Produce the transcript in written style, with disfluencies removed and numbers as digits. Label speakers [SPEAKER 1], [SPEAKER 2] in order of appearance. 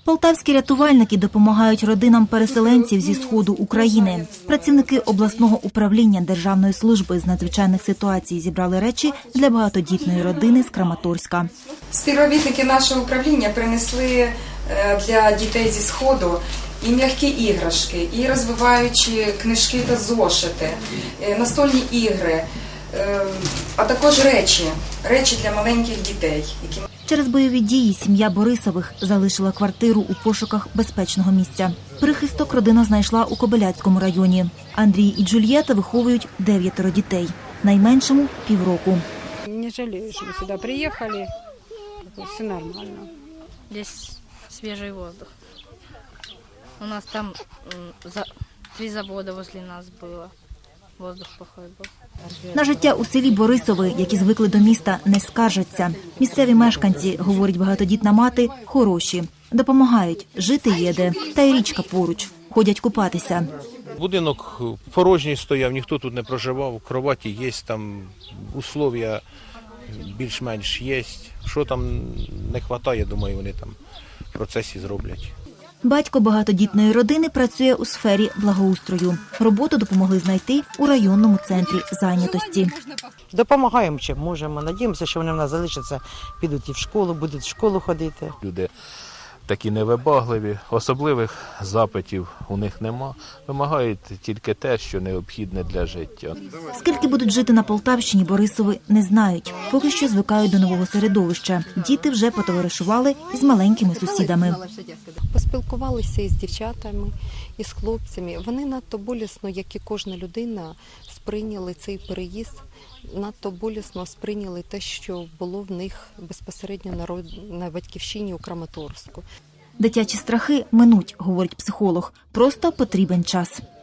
[SPEAKER 1] Полтавські рятувальники допомагають родинам переселенців зі сходу України. Працівники обласного управління Державної служби з надзвичайних ситуацій зібрали речі для багатодітної родини з Краматорська.
[SPEAKER 2] Співробітники нашого управління принесли для дітей зі сходу і м'які іграшки, і розвиваючі книжки та зошити, настольні ігри, а також речі для маленьких дітей.
[SPEAKER 1] Через бойові дії сім'я Борисових залишила квартиру у пошуках безпечного місця. Прихисток родина знайшла у Кобиляцькому районі. Андрій і Джульєта виховують 9 дітей. Найменшому – півроку.
[SPEAKER 3] Не жалею, что мы сюда приехали. Все нормально.
[SPEAKER 4] Здесь свежий воздух. У нас там 3 завода возле нас было. Воздух плохой был.
[SPEAKER 1] На життя у селі Борисови, які звикли до міста, не скаржаться. Місцеві мешканці, говорить багатодітна мати, хороші. Допомагають, жити є де. Та й річка поруч. Ходять купатися.
[SPEAKER 5] Будинок порожній стояв, ніхто тут не проживав, кроваті є, там условия більш-менш є. Що там не вистачає, думаю, вони там в процесі зроблять.
[SPEAKER 1] Батько багатодітної родини працює у сфері благоустрою. Роботу допомогли знайти у районному центрі зайнятості.
[SPEAKER 6] Допомагаємо, чим можемо. Надіємося, що вони в нас залишаться, підуть і в школу, будуть в школу ходити.
[SPEAKER 5] Люди такі невибагливі, особливих запитів у них нема. Вимагають тільки те, що необхідне для життя.
[SPEAKER 1] Скільки будуть жити на Полтавщині, Борисови не знають. Поки що звикають до нового середовища. Діти вже потоваришували із маленькими сусідами.
[SPEAKER 7] Поспілкувалися із дівчатами, із хлопцями. Вони надто болісно, як і кожна людина, сприйняли цей переїзд, надто болісно сприйняли те, що було в них безпосередньо на батьківщині у Краматорську.
[SPEAKER 1] Дитячі страхи минуть, говорить психолог. Просто потрібен час.